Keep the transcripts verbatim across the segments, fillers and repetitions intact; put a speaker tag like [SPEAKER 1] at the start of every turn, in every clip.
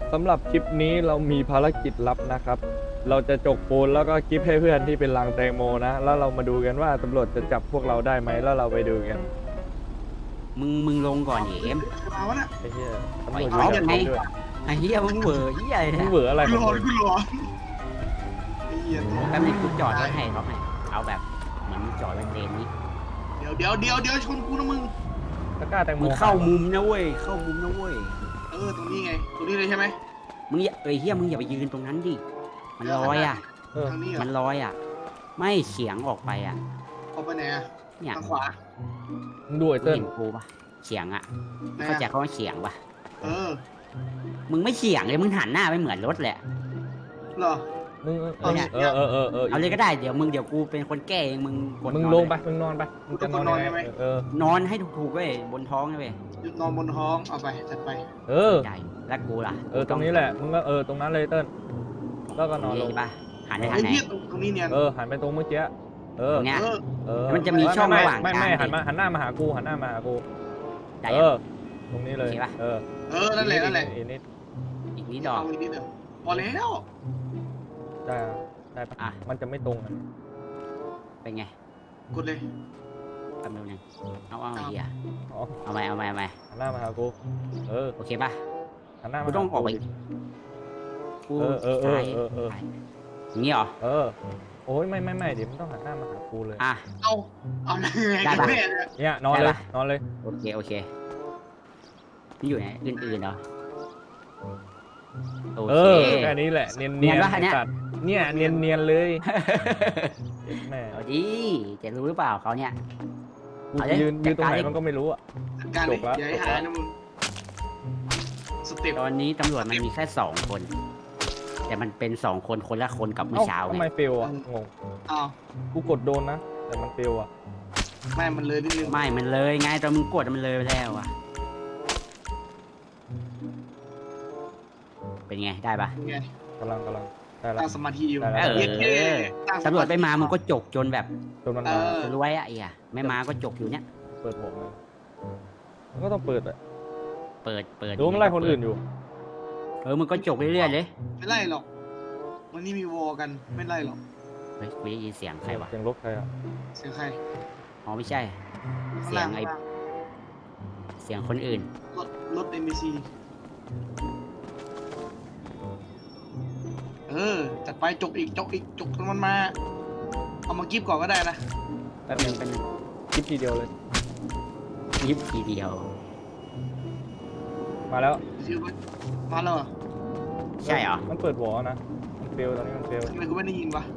[SPEAKER 1] สำหรับคลิปนี้เรามีภารกิจลับนะครับ เราจะจกปูนแล้วก็กิฟต์ให้เพื่อนที่เป็นลังแตงโมนะ แล้วเรามาดูกันว่าตำรวจจะจับพวกเราได้ไหมแล้วเราไปดูกัน
[SPEAKER 2] มึงมึงลงก่อนดิเอ็ม
[SPEAKER 3] มาวะน่ะ
[SPEAKER 1] ไอ้เหี้ยตำรวจ
[SPEAKER 2] ไป
[SPEAKER 1] อยู่
[SPEAKER 2] เอา
[SPEAKER 1] จับ
[SPEAKER 2] ไง
[SPEAKER 1] ด้วย
[SPEAKER 2] ไอ้เหี้ยมึงเหวอเหี้ยอะไร
[SPEAKER 1] มึ
[SPEAKER 2] เนี่
[SPEAKER 1] ง
[SPEAKER 2] ย
[SPEAKER 1] เหวออะไร
[SPEAKER 3] กู
[SPEAKER 1] ของ
[SPEAKER 3] รอ
[SPEAKER 1] มึง
[SPEAKER 3] กูรอไอ้เหี้ย
[SPEAKER 2] แป๊บนึงกูจอดรถให้เขาให้เอาแบบเหมือนมึงจอดเป็นเลนนี้
[SPEAKER 3] เดี๋ยวเดี๋ยวเดี๋ยวเดี๋ยวชนกูนะมึง
[SPEAKER 1] ตะกร้าแตงโม
[SPEAKER 2] มึงเข้ามุมนะเว้ยเข้ามุมนะเว้ย
[SPEAKER 3] เออตรงนี้ไงตรงนี้เลยใช่ไหม
[SPEAKER 2] มึงอย่าเอ้ยเหี้ยมึงอย่าไปยืนตรงนั้นดิมันลอยอ่ะ
[SPEAKER 1] เออ
[SPEAKER 3] ทางนี้เหรอ
[SPEAKER 2] มันลอยอ่ะ ไม่เฉียงออกไปอ่ะ
[SPEAKER 3] เอาไปไหนอะ
[SPEAKER 2] เนี่ย
[SPEAKER 3] ทางขวา
[SPEAKER 1] มึงดูไอ้
[SPEAKER 2] มึง
[SPEAKER 1] เติ้ล
[SPEAKER 2] เห็นกูปะเฉียงอ่ะ
[SPEAKER 3] ไหน
[SPEAKER 2] เข้าใจ
[SPEAKER 3] อะ
[SPEAKER 2] เขาว่าเฉียงปะ
[SPEAKER 3] เออ
[SPEAKER 2] มึงไม่เฉียงเลยมึงหันหน้าไปเหมือนรถแหละ
[SPEAKER 3] เหรอ
[SPEAKER 1] มึงเอ
[SPEAKER 3] เอา
[SPEAKER 1] อ
[SPEAKER 3] เนี่ย
[SPEAKER 1] เออเออเออเออ
[SPEAKER 2] เอาเลยก็ได้เดี๋ยวมึงเดี๋ยวกูเป็นคนแก้เองมึงกด
[SPEAKER 1] มึง
[SPEAKER 2] นอน
[SPEAKER 1] ลง
[SPEAKER 2] เย
[SPEAKER 1] ไปมึงนอนไปมึงจะนอนยังไงเออ
[SPEAKER 2] นอนให้ถูกๆเว้ยบนท้องนะเว้ย
[SPEAKER 3] หยุดนอนบนท้องเอาไปจัดไป
[SPEAKER 1] เออ
[SPEAKER 2] ใช่แล้วกูล่ะ
[SPEAKER 1] เออตรงนี้แหละมึงก็เออตรงนั้นเลยเติ้ลแล้วก็นอนลง
[SPEAKER 2] ใช่ปะหันไปทา
[SPEAKER 3] ไอ้
[SPEAKER 2] งไหน
[SPEAKER 3] เหี้ยตรงนี้เนี่ย
[SPEAKER 1] เออหันไปตรงเมื่อกี้เออ
[SPEAKER 2] ตรงเนี้ย
[SPEAKER 3] เออ
[SPEAKER 1] เออ
[SPEAKER 2] มันจะมีช่องระหว่าง
[SPEAKER 1] ไม่ไม่
[SPEAKER 2] กลาง
[SPEAKER 1] หันมาหันหน้ามาหากูหันหน้ามาหากู
[SPEAKER 2] ได้
[SPEAKER 1] เอ
[SPEAKER 2] ยัง
[SPEAKER 1] อตรงนี้เลย
[SPEAKER 2] โอเคปะ
[SPEAKER 1] เออ
[SPEAKER 3] เออนั่นแหละนั่นแหละ
[SPEAKER 1] อีกนิด
[SPEAKER 2] อีกนิดดอก
[SPEAKER 3] เอาอีกนิดเดียวพอแล้ว
[SPEAKER 1] ได้ได้ปะ
[SPEAKER 2] อ่ะ
[SPEAKER 1] มันจะไม่ตรงกัน
[SPEAKER 2] เป็นไง
[SPEAKER 3] กดเลย
[SPEAKER 2] กำลังนึงเอาเอาเฮีย
[SPEAKER 1] อ๋อ
[SPEAKER 2] เอาไปเอาไปเอาไป
[SPEAKER 1] หันหน้ามาหากูเออ
[SPEAKER 2] โอเคปะ
[SPEAKER 1] หันหน้ามา
[SPEAKER 2] กูต้องออกไป
[SPEAKER 1] ดิ
[SPEAKER 2] กู
[SPEAKER 1] เออเออเออ
[SPEAKER 2] ซ้าย
[SPEAKER 1] เออเออ
[SPEAKER 2] อย่างงี้เหรอ
[SPEAKER 1] เออโอ้ยไม่ไม่ไม่เดี๋ยวมันต้องหันหน้ามาหากูเลย
[SPEAKER 2] อ่ะ
[SPEAKER 3] เอาเอาไง
[SPEAKER 2] ได้
[SPEAKER 3] กัน
[SPEAKER 2] ปะ
[SPEAKER 3] แน่เนี่ย
[SPEAKER 1] เนี่ยนอน
[SPEAKER 2] ได้
[SPEAKER 1] เลย
[SPEAKER 2] ปะ
[SPEAKER 1] นอนเลย
[SPEAKER 2] โอเคโอเคนี่อยู่ไหนอื่นๆเหรอโอ
[SPEAKER 1] เอ
[SPEAKER 2] เค
[SPEAKER 1] อแค่นี้แหละเนียน
[SPEAKER 2] เนี
[SPEAKER 1] เนีย
[SPEAKER 2] ย
[SPEAKER 1] น
[SPEAKER 2] นปะเนี่ย
[SPEAKER 1] ตัดเนี่ยเนียนเนียนเลยแม่
[SPEAKER 2] เอาดิจะรู้หรือเปล่าเขาเนี่ย
[SPEAKER 1] กู
[SPEAKER 2] เอาดิ
[SPEAKER 1] ยืนยืนตรงไหน
[SPEAKER 2] จัดการดิ
[SPEAKER 1] มันก็ไม่รู้อ่ะ
[SPEAKER 3] จัดการเลย
[SPEAKER 1] จบละ
[SPEAKER 3] อย่าให้หายนะมึงสเต็ป
[SPEAKER 2] ตอนนี้ตำรวจมันมีแค่สองคน แต่มันเป็นสองคนคนละคนกับเมื่อ
[SPEAKER 1] เอ้า
[SPEAKER 2] เช้า
[SPEAKER 1] ทำ
[SPEAKER 2] ไง
[SPEAKER 1] ไมเฟลอ่ะงง
[SPEAKER 3] อ้าว
[SPEAKER 1] กูกดโดนนะแต่มันเฟลอ่ะ
[SPEAKER 3] ไม่มันเลยนิดนึง
[SPEAKER 2] ไม่มันเลยไงตอนมึงกดมันเลยไปแล้วอะเป็นไงได้ปะ
[SPEAKER 3] ไง
[SPEAKER 1] กำลังกำลังได้ละ
[SPEAKER 3] ตั้งสมาธิอยู่
[SPEAKER 1] ได้แล้ว
[SPEAKER 3] เย็ดเท่ตั้งส
[SPEAKER 2] ตำรวจ
[SPEAKER 3] ธิ
[SPEAKER 2] ไปมามึงก็จกจนแบบ
[SPEAKER 1] จนมัน
[SPEAKER 3] เอ
[SPEAKER 1] มา
[SPEAKER 3] อ
[SPEAKER 2] รวยอะไอ้อะไม่มาก็จกอยู่เนี่ย
[SPEAKER 1] เปิดหมวกเลยมันก็ต้องเปิดอ่ะ
[SPEAKER 2] เปิดเปิด
[SPEAKER 1] ดูมันไล่คนอื่นอยู่
[SPEAKER 2] เออมึงก็จกเรื่อยๆเลย
[SPEAKER 3] ไม่ไล่หรอกวันนี้มีวอลกันไม่ไล่หรอก
[SPEAKER 2] เฮ้ยกูได้ยินเสียงใครวะ
[SPEAKER 1] เสียงรถใครอ่ะ
[SPEAKER 3] เสียงใคร
[SPEAKER 2] อ๋อไม่ใช่
[SPEAKER 3] ข้าง
[SPEAKER 2] เสีย
[SPEAKER 3] ล่าง ง
[SPEAKER 2] ไอ้
[SPEAKER 3] ข้างล่าง
[SPEAKER 2] เสียงคนอื่น
[SPEAKER 3] รถรถเอ็มบีซีเออจัดไปจกอีกจกอีกจกจนมันมาเอามากิฟก่อนก็ได้นะ
[SPEAKER 2] แป๊บนึงแป๊บนึง
[SPEAKER 1] คลิปทีเดียวเลย
[SPEAKER 2] ยิบทีเดียว
[SPEAKER 1] มาแล้ว
[SPEAKER 3] ชื่อว่ามาแล้วเหรอ
[SPEAKER 2] ใช่เหรอ
[SPEAKER 1] มันเปิดวอลนะมันเฟลตอนนี้มันเฟล
[SPEAKER 3] ทำไมกูไม่ได้ยินวะ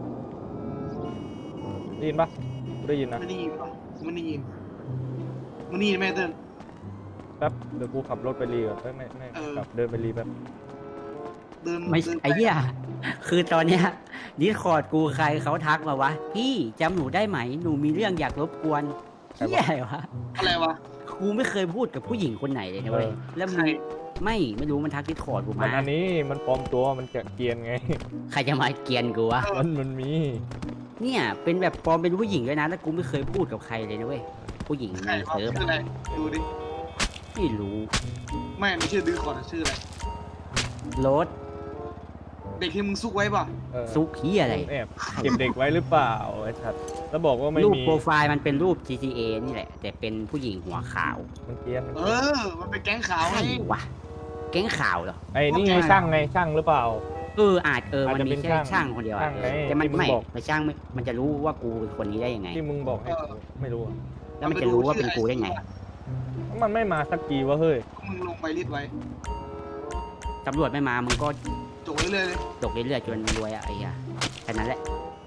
[SPEAKER 1] ได้ยินปะกูได้ยินนะ
[SPEAKER 3] ไม่ได้ยินวะกูไม่ได้ยินมึงได้ยินไหมเติ้ล
[SPEAKER 1] แป๊บเดี๋ยวกูขับรถไปรีก่อนเอ้ยไม่ไม่
[SPEAKER 3] เออ
[SPEAKER 1] กลับเดินไปรีแป๊บ
[SPEAKER 3] เดิน
[SPEAKER 2] ไม่
[SPEAKER 3] เดินป
[SPEAKER 2] ไอ้เหี้ยคือตอนเนี้ยดิสคอร์ดกูใครเขาทักมาวะพี่จำหนูได้ไหมหนูมีเรื่องอยากรบกวนเหี้ยอะไรวะ
[SPEAKER 3] อะไรวะ
[SPEAKER 2] กูไม่เคยพูดกับผู้หญิงคนไหนเลยนะเว้ยแล้วมึ
[SPEAKER 3] ใครง
[SPEAKER 2] ไม่ไม่รู้มันทักดิสคอร์ดกู
[SPEAKER 1] มัน
[SPEAKER 2] มา
[SPEAKER 1] อันนี้มันปลอมตัวมันจะเกรียนไง
[SPEAKER 2] ใครจะมาเกลียนกูวะ
[SPEAKER 1] มันมันมี
[SPEAKER 2] เนี่ยเป็นแบบปลอมเป็นผู้หญิงด้วยนะแล้วกูไม่เคยพูดกับใครเลยนะเว้ยผู้หญิง
[SPEAKER 3] ใคร
[SPEAKER 2] ใน
[SPEAKER 3] วะ
[SPEAKER 2] เซิร์ฟ
[SPEAKER 3] ชื่ออะไรดูดิ
[SPEAKER 2] ไม่รู้
[SPEAKER 3] ไม่ไม่ชื่อดื้อขอนะชื่ออะไร
[SPEAKER 2] รถ
[SPEAKER 3] เด็กที่มึงซุกไว้ป่ะ
[SPEAKER 1] เออ
[SPEAKER 2] ซุกเฮียอะไร
[SPEAKER 1] แอบเก็บเด็กไว้หรือเปล่าไอ้ชัดแล้วบอกว่าไม่
[SPEAKER 2] รูป
[SPEAKER 1] มี
[SPEAKER 2] โปรไฟล์มันเป็นรูป จี ที เอ นี่แหละ แต่เป็นผู้หญิงหัวขาว
[SPEAKER 1] มันเกรียนมัน
[SPEAKER 3] เอ
[SPEAKER 1] เกรียน
[SPEAKER 3] อ มันเป็นแก๊งขาว
[SPEAKER 2] ใช่
[SPEAKER 3] ไง
[SPEAKER 2] วะแก๊งข่าวเหรอ
[SPEAKER 1] ไอ้นี่ไงช่างไงช่างหรือเปล่า
[SPEAKER 2] เอออาจเออ
[SPEAKER 1] อาจ
[SPEAKER 2] มัน
[SPEAKER 1] จะ
[SPEAKER 2] มี
[SPEAKER 1] เป็น
[SPEAKER 2] แค่
[SPEAKER 1] ช่าง
[SPEAKER 2] ช่างคนเดียวอะ
[SPEAKER 1] ช่างไง
[SPEAKER 2] แต่มัน
[SPEAKER 1] ที่มึง
[SPEAKER 2] ไม่
[SPEAKER 1] บอก
[SPEAKER 2] ไม่ช่างไม่มันจะรู้ว่ากูเป็นคนนี้ได้ยังไง
[SPEAKER 1] ที่มึงบอกให้กูไม่รู้อะ
[SPEAKER 2] แล้วมันจะรู้ว่าเป็นกูได้ไง
[SPEAKER 1] มันไม่มาสักทีวะเฮ้ย
[SPEAKER 3] มึงลงไปรีดไว้
[SPEAKER 2] ตำรวจไม่มามึงก็
[SPEAKER 3] จกเรื่อยๆเลย
[SPEAKER 2] ตกเรื่อยๆจนรวยอะไอ้เหี้ยแค่นั้นแหละ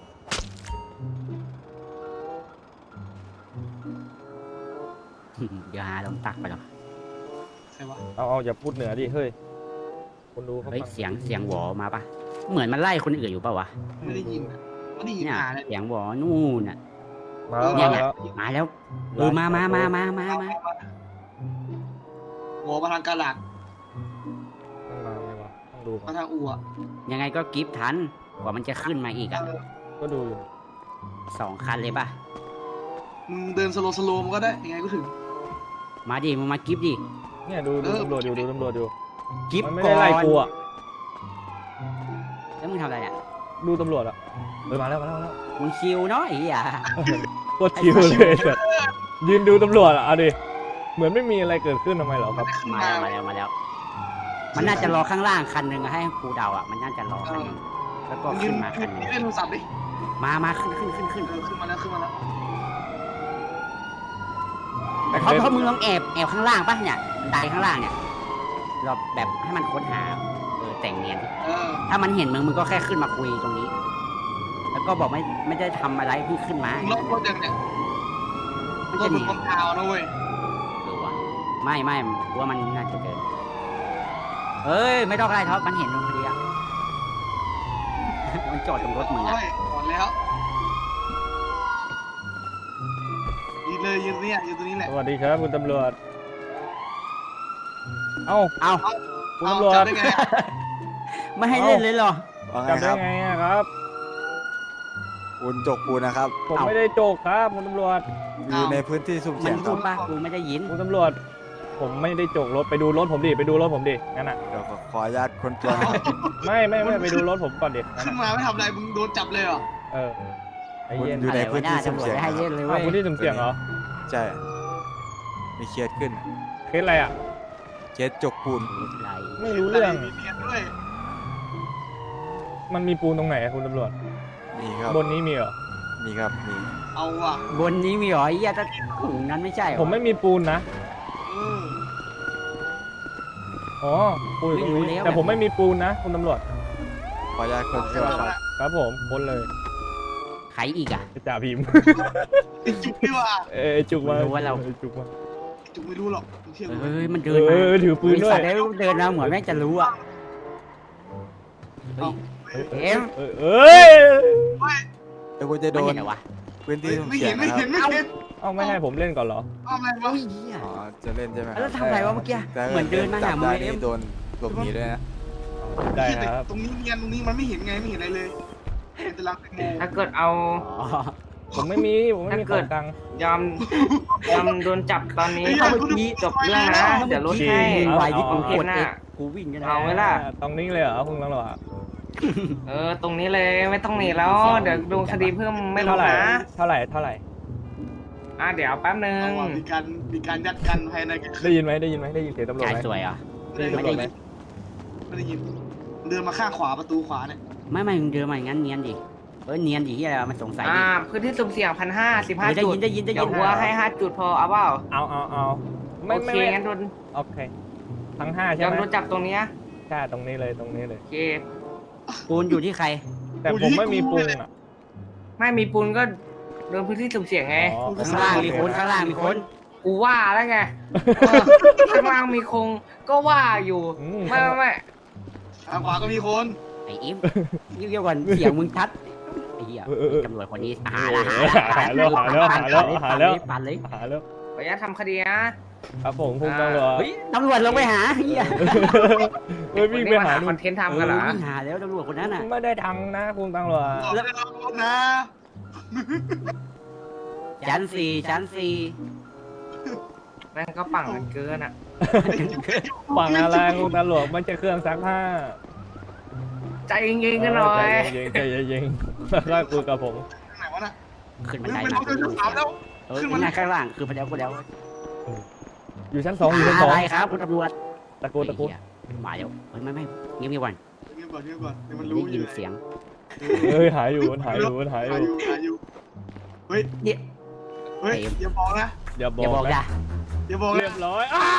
[SPEAKER 2] เดี๋ยวหาลงตักไปหรอก
[SPEAKER 3] ใครวะ
[SPEAKER 1] เอาเอาอย่าพูดเหนือดิเฮ้ยคนดูเขา
[SPEAKER 2] เฮ้ย
[SPEAKER 1] ฟัง
[SPEAKER 2] เสียงเสียงหวอมาปะเหมือนมันไล่คนอื่นอยู่ปะวะ
[SPEAKER 3] ไม่ได้ยินอะไม่ได้ยิน
[SPEAKER 2] เนี่ย
[SPEAKER 3] หาเลย
[SPEAKER 2] เสียงหวอนู่นน่ะ
[SPEAKER 1] มาแล้ว
[SPEAKER 2] เนี่
[SPEAKER 1] มาย แล้ว
[SPEAKER 2] มาแล้วเออมามามามามามา
[SPEAKER 3] หัวมาทางกาหลัก
[SPEAKER 1] ต้องมาไหมวะต้องดูก่อ
[SPEAKER 3] มาน ทางอู่อะ
[SPEAKER 2] ยังไงก็กิฟทันกว่ามันจะขึ้นมาอีกอ่ะ
[SPEAKER 1] ก็ดูอยู่
[SPEAKER 2] สองคันเลยปะ
[SPEAKER 3] มึงเดินสโลว์สโลว์มันก็ได้ยังไงก็ถึง
[SPEAKER 2] มาดิมึงมากิฟดิ
[SPEAKER 1] เนี่ยดูดู
[SPEAKER 3] เออ
[SPEAKER 1] ตำรวจอยู่ดูตำรวจอยู่
[SPEAKER 2] กิฟ
[SPEAKER 1] มันไม่
[SPEAKER 2] ก่อ
[SPEAKER 1] ได้
[SPEAKER 2] น
[SPEAKER 1] ไล่กูอ่ะ
[SPEAKER 2] แล้วมึงทำอะไรเนี่ย
[SPEAKER 1] ดูตำรวจอ่ะเออมาแล้วมาแล้วมาแล้ว
[SPEAKER 2] มึงชิวเนาะไอ้เหี้ย
[SPEAKER 1] โคตรชิวเลยแบบยืนดูตำรวจอ่ะเอาดิเหมือนไม่มีอะไรเกิดขึ้นทำไมเหรอครับ
[SPEAKER 2] มาแล้วมาแล้วมาแล้ว มันน่าจะรอข้างล่างคันหนึ่งอะให้กูเดาอ่ะมันน่าจะรอคันหนึงแล้วก็
[SPEAKER 3] มึงยื
[SPEAKER 2] ขึ้
[SPEAKER 3] น
[SPEAKER 2] นมาคันหนึง
[SPEAKER 3] เล่นโทรศัพท์ดิ
[SPEAKER 2] มามาขึ้นขึ้นขึ้นขึ้น
[SPEAKER 3] เออขึ้นมาแล้วขึ้นมาแล้ว
[SPEAKER 2] เขาเขามึงลองแอบแอบข้างล่างป่ะเนี่ยบันไดข้างล่างเนี่ยเราแบบให้มันค้นหาเออแต่งเนียน
[SPEAKER 3] เออ
[SPEAKER 2] ถ้ามันเห็นมึงมึงก็แค่ขึ้นมาคุยตรงนี้ แล้วก็บอกไม่ไม่ได้ทำอะไรเพิ่งขึ้นมา
[SPEAKER 3] มึงล็อกรถยังเนี่ย
[SPEAKER 2] มัน
[SPEAKER 3] ร
[SPEAKER 2] จะ
[SPEAKER 3] ถ
[SPEAKER 2] ห
[SPEAKER 3] มึ
[SPEAKER 2] นี
[SPEAKER 3] งคนเท้านะเว้ย
[SPEAKER 2] หรือวะไม่ไม่กูว่ามันน่าจะเดินเอ้ยไม่ต้องอะไรท็อปมันเห็นมึงพอดีอะมันจอดตรงรถมึงอะ
[SPEAKER 3] โอ้ยก่อนแล้วยืนเลยยืนเนี่ยยืนตรงนี้แหละ
[SPEAKER 1] สวัสดีครับคุณตำรวจเอ้า
[SPEAKER 2] เอา
[SPEAKER 1] คุณ
[SPEAKER 3] เอา
[SPEAKER 1] ตำรวจ
[SPEAKER 3] จับได้ไง
[SPEAKER 2] ไม่ให้เล่นเลยเหรอ
[SPEAKER 4] ว่าไง
[SPEAKER 1] จับ
[SPEAKER 4] ค
[SPEAKER 1] ได้
[SPEAKER 4] รับ
[SPEAKER 1] ไงอะครับ
[SPEAKER 4] คุณจกปูนนะครับ
[SPEAKER 1] ผม
[SPEAKER 2] เอ้า
[SPEAKER 1] ไม่ได้โจกครับคุณตำรวจ
[SPEAKER 4] อยู่ในพื้นที่สุ่ม
[SPEAKER 2] มั
[SPEAKER 4] เสี่ย
[SPEAKER 2] น
[SPEAKER 4] งค
[SPEAKER 2] พู
[SPEAKER 4] รั
[SPEAKER 2] ด
[SPEAKER 4] บ
[SPEAKER 2] ป่ะกูไม่ได้ยิน
[SPEAKER 1] คุณตำรวจ ผมไม่ได้โจกรถไปดูรถผมดิไปดูรถผมดิงั้นอ่ะ
[SPEAKER 4] เดี๋ยวขออนุญาตคนตัวหน่อย
[SPEAKER 1] ไม่ไม่ไม่ไปดูรถผมก่อนดิงั้น
[SPEAKER 3] ขึ้น
[SPEAKER 1] อะ
[SPEAKER 3] มาไม่ทำอะไรมึงโดนจับเลยเหรอ
[SPEAKER 1] เออไอ้
[SPEAKER 4] คุณ
[SPEAKER 1] เย็น
[SPEAKER 4] อยู่ในพื้นที่
[SPEAKER 2] อะไรวะ
[SPEAKER 4] สุ่มเสี่ยง
[SPEAKER 2] ตำรวจไม่ให้
[SPEAKER 4] ค
[SPEAKER 2] เล่
[SPEAKER 4] รับ
[SPEAKER 2] นเลย
[SPEAKER 1] อ้าว
[SPEAKER 2] เว้ย
[SPEAKER 1] คุณที่สุ่มเสี่ยงเหรอ
[SPEAKER 4] ใช่มีเคสขึ้น
[SPEAKER 1] เคสอะไรอ่ะ
[SPEAKER 4] เคสจกปูน
[SPEAKER 2] ไร
[SPEAKER 1] ไม่รู้เรื่อง
[SPEAKER 3] มีเนียนด้วย
[SPEAKER 1] มันมีปูนตรงไหนอะคุณตำรวจ
[SPEAKER 4] มีครับ
[SPEAKER 1] บนนี้มีเหรอ
[SPEAKER 4] มีครับมี
[SPEAKER 3] เอาว่ะ
[SPEAKER 2] บนนี้มีเหรอไอ้เหี้ยแต่ถุงนั้นไม่ใช่เหรอ
[SPEAKER 1] ผมไม่มีปูนนะ
[SPEAKER 3] เออ
[SPEAKER 1] อ๋อปูนอยู่ตรง
[SPEAKER 2] ไม่รู้
[SPEAKER 1] นี้
[SPEAKER 2] แล้ว
[SPEAKER 1] แต่ผมไม่มีปูนนะคุณตำรวจ
[SPEAKER 4] ขออนุญาตคนตัวครับ
[SPEAKER 1] ครับผมพ้นเลย
[SPEAKER 2] ใครอีกอ่ะ
[SPEAKER 1] จ่าพิมพ์
[SPEAKER 3] ไอ้จุกดีว่า
[SPEAKER 1] เอ้ยจุกมา
[SPEAKER 2] รู้ว่าเรา
[SPEAKER 1] อ้ยจุกมา
[SPEAKER 3] จุกไม่รู้หรอกมึงเชื่อกู
[SPEAKER 2] เอ้ยมัน
[SPEAKER 1] เอ
[SPEAKER 2] เดินมา
[SPEAKER 1] อถือปืนด้วย
[SPEAKER 2] ไสัตว์แล้วเดินมาเหมือนแม่งจะรู้อ่ะ
[SPEAKER 3] เอา
[SPEAKER 2] เอ็ม
[SPEAKER 1] เออเอ้ย
[SPEAKER 4] เดี๋ยวคุณจะโด
[SPEAKER 2] ไม่
[SPEAKER 4] น
[SPEAKER 2] เห็นเหรอวะ
[SPEAKER 4] พื้นที่สุ่ม
[SPEAKER 3] ไม่
[SPEAKER 4] เสี่
[SPEAKER 3] เห็
[SPEAKER 4] ย
[SPEAKER 3] น
[SPEAKER 4] ง
[SPEAKER 3] ไม่
[SPEAKER 4] นะค
[SPEAKER 3] เห็
[SPEAKER 4] รั
[SPEAKER 3] น
[SPEAKER 4] บ
[SPEAKER 3] ไม่เห็น
[SPEAKER 1] เอาไม่ให้ผมเล่นก่อนเหรอ
[SPEAKER 3] เอาอะไรวะ
[SPEAKER 2] เฮ้ยเหี้ย
[SPEAKER 4] อ๋อจะเล่นใช่ไหมค
[SPEAKER 2] แล้
[SPEAKER 4] รั
[SPEAKER 2] ว
[SPEAKER 4] บ
[SPEAKER 2] ทำไรวะเมื่อกี้
[SPEAKER 4] แต่
[SPEAKER 2] เหมือนเดินมา
[SPEAKER 4] จั
[SPEAKER 2] หา
[SPEAKER 4] บ
[SPEAKER 2] มึ
[SPEAKER 4] ได้
[SPEAKER 2] งเอ็
[SPEAKER 4] นี่
[SPEAKER 2] ม
[SPEAKER 4] โดนหลบหนีด้วยนะ
[SPEAKER 1] ได้
[SPEAKER 3] เหี้ย
[SPEAKER 1] ครับ
[SPEAKER 3] ตรงนี้เนียนตรงนี้มันไม่เห็นไงไม่เห็นอะไรเลยเป็นตารางแตงโม
[SPEAKER 5] ถ้าเกิดเอา
[SPEAKER 2] อ๋อ
[SPEAKER 1] ผมไม่มีผมไม่มีของกลาง
[SPEAKER 5] ยอมยอมโดนจับตอนนี้
[SPEAKER 3] เฮ้ย
[SPEAKER 5] เขา
[SPEAKER 3] เมื่อกี้
[SPEAKER 5] จบเรื่องนะ เดี๋ยวลดให้
[SPEAKER 2] มึงไหวที่
[SPEAKER 1] เอา
[SPEAKER 2] กู
[SPEAKER 1] เอา
[SPEAKER 2] กดเอ็กกูวิ่งกันนะ
[SPEAKER 5] เอาไว้ล่ะ
[SPEAKER 1] ตรงนี้เลยเหรอคุณตำรวจ
[SPEAKER 5] เออ ตรงนี้เลยไม่ต้องหนีแล้ว เดี๋ยวดูคดีเพิ่มไม่ล
[SPEAKER 1] เท่า
[SPEAKER 5] ด
[SPEAKER 1] ไหร่
[SPEAKER 5] นะ
[SPEAKER 1] เท่าไหร่เท่าไหร่
[SPEAKER 5] อ่ะเดี๋ยวแป๊บนึง
[SPEAKER 3] เอาว่ะมีการมีการยัดกันภายในกัน
[SPEAKER 1] ได้ยินไหมได้ยินไหมได้ยินเสียงตำรวจ
[SPEAKER 2] จ่าย
[SPEAKER 1] ไหม
[SPEAKER 2] สวยเหรอ
[SPEAKER 3] ไม่ได้ยินไม่ได้ยินเดินมาข้างขวาประตูขวาเนี่ย
[SPEAKER 2] ไม่ไม่มึงเดินมาอย่างนั้นเนียนดิเออเนียนดิที่อะไรวะมันสงสัย
[SPEAKER 5] อ่า
[SPEAKER 2] ดิ
[SPEAKER 5] พื้นที่สุ่มเสี่ยงพันห้าสิบห้า
[SPEAKER 2] เออได้
[SPEAKER 5] จุ
[SPEAKER 2] ยิ
[SPEAKER 5] ด
[SPEAKER 2] นได้ยินได้ยิน
[SPEAKER 5] เดี๋ยวหัวให้ห้าจุดพอเอาเปล่า
[SPEAKER 1] เอาเอาเอาไม่
[SPEAKER 5] โอ
[SPEAKER 1] ไม่
[SPEAKER 5] เค
[SPEAKER 1] ไม่
[SPEAKER 5] งั้นโดน
[SPEAKER 1] โอเคทั้งห้าย ใช่
[SPEAKER 5] อม
[SPEAKER 1] ไหม
[SPEAKER 5] โดนจับตรงเนี้ย
[SPEAKER 1] ใช่ตรงนี้เลยตรงนี้เลย
[SPEAKER 5] โอเค
[SPEAKER 2] ปูนอยู่ที่ใคร
[SPEAKER 1] แต่ผมไม่มีปูนอ่ะ
[SPEAKER 5] ไม่มีปูนก็โดนพื้นที่สุ่มเสี่ยงไง
[SPEAKER 1] อ๋อ
[SPEAKER 2] ข้างล่างมีคนข้างล่างมีคน
[SPEAKER 5] กูว่าแล้วไงเออข้างล่างมีคงก็ว่าอยู่
[SPEAKER 1] อืม
[SPEAKER 5] ไม่ไม่ไม่
[SPEAKER 3] ข้างขวาก็มีคน
[SPEAKER 2] ไอ้อิมเรียกก่อนเสียงมึงชัดไอ้เหี้ยตำรวจคนนี้หาละหาละ
[SPEAKER 1] หาแล้วหาแล้วหาแล้วหาแล้ว
[SPEAKER 2] ปั่นเลย
[SPEAKER 1] หาแล้ว
[SPEAKER 5] ขออนุญาตทำคดีนะครับ
[SPEAKER 1] ผมคุณตำรวจ
[SPEAKER 2] เฮ้ยตำรวจลงไปหาเหี้ย
[SPEAKER 1] เฮ้ยวิ่งไปหา
[SPEAKER 5] ค
[SPEAKER 1] นู่
[SPEAKER 5] อน นเทนต์ทำกันเหรอ
[SPEAKER 2] วิ่งหาแล้วตำรวจคนนั้นน่ะ
[SPEAKER 1] ไม่ได้ทังนะคุณตำรวจ
[SPEAKER 3] แล้วเรารถนะ
[SPEAKER 2] ชั้นสี่ชั้นสี่
[SPEAKER 5] แม่งก็ปั่งกันเกินอ่ะ
[SPEAKER 1] ฝั่งอะไรคุณตำรวจมันจะเครื่องซักผ้า
[SPEAKER 5] ใจเย็นๆกันหน่อย
[SPEAKER 1] ใจเย็นใจเย็นแล้วก็คุยกับผม
[SPEAKER 3] ไหนวะน่ะ
[SPEAKER 2] ขึ้นบั
[SPEAKER 3] มัน น
[SPEAKER 2] ได
[SPEAKER 3] เป็น
[SPEAKER 2] มา
[SPEAKER 3] ห้องเดินสามแล้ว
[SPEAKER 2] เออขึ้นมาข้างล่างคือพระเจ้าคนเดียว
[SPEAKER 1] อยู่ชั้นสองอยู่ชั้นสอง
[SPEAKER 2] อะไรครับคุณตำรวจ
[SPEAKER 1] ตะโกนตะโกน
[SPEAKER 2] มาเดี๋ยวเฮ้ยไม่ไม่เงียบๆก่อน
[SPEAKER 3] เงียบก่อนเงียบก่อนเดี๋ยวมัน
[SPEAKER 2] ได้
[SPEAKER 3] รู้อ
[SPEAKER 2] ยิ
[SPEAKER 3] ยู่
[SPEAKER 2] นเสียง
[SPEAKER 1] เฮ้ยหายอยู่มันหายอยู่มันหายอยู่
[SPEAKER 3] หายอยู่เฮ้ย
[SPEAKER 2] เนี่ย
[SPEAKER 3] เฮ้ยอย่าบอกนะ
[SPEAKER 1] อย่าบ
[SPEAKER 2] อย่าบอก
[SPEAKER 1] อก
[SPEAKER 2] จ้ะ
[SPEAKER 1] นะ
[SPEAKER 3] อย่าบอก
[SPEAKER 1] เรีย
[SPEAKER 3] นะ
[SPEAKER 1] บร้อยอ้า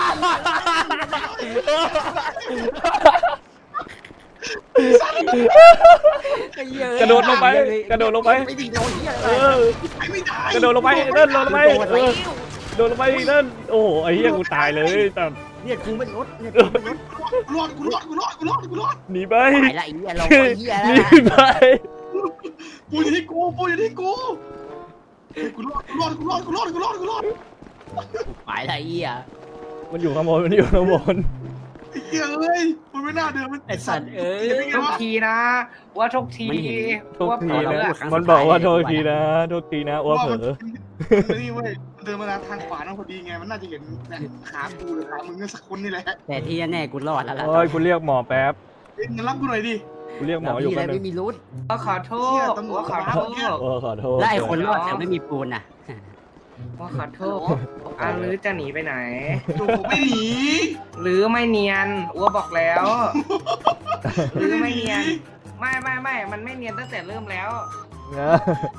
[SPEAKER 1] กระโดดลงไปกระโดดลงไป
[SPEAKER 2] ไม่ดีโดนเหี้ย
[SPEAKER 1] เอ
[SPEAKER 2] อะไร
[SPEAKER 1] อ
[SPEAKER 3] ไม่ได้
[SPEAKER 1] กระโดดลงไปเดินลงไป
[SPEAKER 2] โดน
[SPEAKER 1] เอ
[SPEAKER 2] แล้
[SPEAKER 1] อ
[SPEAKER 2] ว
[SPEAKER 1] โดดลงไปเดินโอ้โหไอ้เหี้ยกูตายเลยแต่
[SPEAKER 2] เนี่ยกูไม่รถเนี่ยกูไม่รถ
[SPEAKER 3] กูรอดกูรอดกูรอดกูรอดกูรอด
[SPEAKER 1] หนีไป
[SPEAKER 2] ไปละไอ้เหี้ยเราไปเหี้ย
[SPEAKER 1] ห
[SPEAKER 2] แล้
[SPEAKER 1] นี
[SPEAKER 2] ว
[SPEAKER 1] ไป
[SPEAKER 3] กูอยู่ที่กูกูอยู่ที่กูกูรอดกูรอดกูรอดกูรอดกูรอดกูรอด
[SPEAKER 2] ไปละไอ้เหี้ย
[SPEAKER 1] มันอยู่ข้างบนมันอยู่ข้างบน
[SPEAKER 3] ไอ้เหี้หี้ยเอ้ยมันไม่น่าเดินมัน
[SPEAKER 2] ไอ้สัตว์เอ้ย
[SPEAKER 3] จะเป็นไง
[SPEAKER 5] ทุก
[SPEAKER 3] วะ
[SPEAKER 5] ทีนะว่าทุกที
[SPEAKER 2] ไม่เห็น
[SPEAKER 1] โทษ
[SPEAKER 5] ว่า
[SPEAKER 1] ที
[SPEAKER 5] เผลอ
[SPEAKER 1] นะ
[SPEAKER 2] เราพูดครั้ง
[SPEAKER 1] มัน
[SPEAKER 2] สุด
[SPEAKER 1] บอกว่า
[SPEAKER 2] ท้าย
[SPEAKER 1] โทษ
[SPEAKER 2] เลย
[SPEAKER 1] ทีนะโทษทีนะอ้วเผลอ
[SPEAKER 3] มันนี่เว้ยมันเดินมาทางขวานั่นพอดีไงมันน่าจะเห็นเนี่ยขากูหรือขามึงก็สักคนนี่แหละ
[SPEAKER 2] แต่ที่แน่ๆกูรอดแล้วล่ะ
[SPEAKER 1] โอ้ยกูเรียกหมอแป๊บ
[SPEAKER 3] เอ้ยงั้นรับกูหน่อยดิ
[SPEAKER 1] กูเรียกหม
[SPEAKER 2] เรา
[SPEAKER 1] ออยู่
[SPEAKER 2] พี่อะไร
[SPEAKER 1] แป๊บนึ
[SPEAKER 2] ไม่
[SPEAKER 1] ง
[SPEAKER 2] มีรุด
[SPEAKER 5] ว่าขอโท
[SPEAKER 3] เหี้ย
[SPEAKER 5] ษ
[SPEAKER 3] ตำรวจ
[SPEAKER 5] ว่าขอโทษ
[SPEAKER 3] เนี่ย
[SPEAKER 1] โอ้ขอโทษ
[SPEAKER 2] แล้วไอ้คนรอดแต่ไม่มีปูนน่ะ
[SPEAKER 5] ว่าขอโทษอ่ะหรือจะหนีไปไหน
[SPEAKER 3] โอ้โหไม่หนี
[SPEAKER 5] หรือไม่เนียนอ้วบอกแล้ว หรือไม่เนียน ไม่ไม่ไม่มันไม่เนียนตั้งแต่เริ่มแล้ว
[SPEAKER 1] นะ